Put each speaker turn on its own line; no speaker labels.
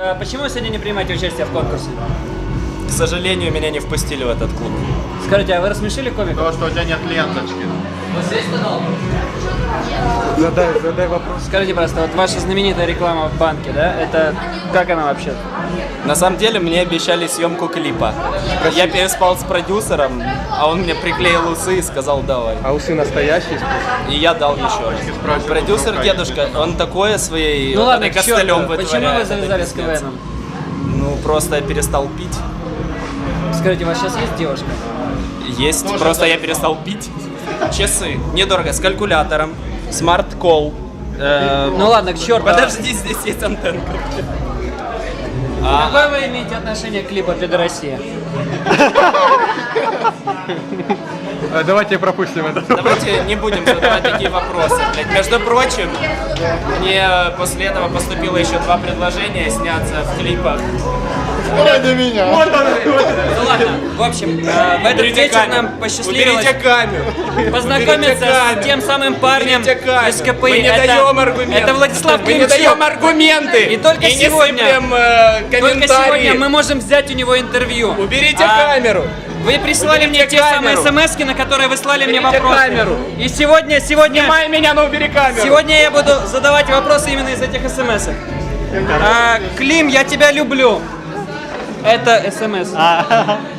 Почему вы сегодня не принимаете участие в конкурсе?
К сожалению, меня не впустили в этот клуб.
Скажите, а вы рассмешили комиков?
Потому что у тебя нет ленточки.
Задай вопрос.
Скажите, просто, вот ваша знаменитая реклама в банке, да? Это как она вообще?
На самом деле, мне обещали съемку клипа. Я переспал с продюсером, а он мне приклеил усы и сказал давай.
А усы настоящие?
И я дал еще раз. Продюсер дедушка, он такое своей
Ну ладно, к
костылем
черту. Почему
вытворяет.
вы
это
завязали с
пиздец.
КВНом?
Ну, просто я перестал пить.
Скажите, у вас сейчас есть девушка?
Есть, просто я перестал пить. Часы, недорого, с калькулятором, смарт-колл.
Ну ладно, к черту.
Подожди, здесь есть антенка.
Какое вы имеете отношение к клипу «Пидорасия»?
Давайте пропустим это.
Давайте не будем задавать такие вопросы. Блядь. Между прочим, мне после этого поступило еще 2 предложения сняться в клипах.
Ради меня.
Ну ладно, в общем, в этот вечер нам посчастливилось
Уберите камеру.
познакомиться с тем самым парнем
Уберите камеру.
из КПИ.
Мы не даем аргументы.
Это Владислав
Мы не даем
Климчук.
аргументы.
И только
не
сегодня-
сыплем,
Только
комментарии.
сегодня мы можем взять у него интервью.
Уберите
А
камеру.
Вы прислали мне те
камеру.
самые смс-ки, на которые вы слали мне
Уберите
вопросы.
камеру.
И сегодня
Снимай меня, но убери камеру.
Сегодня я буду задавать вопросы именно из этих смс. Клим, я тебя люблю. Это смс.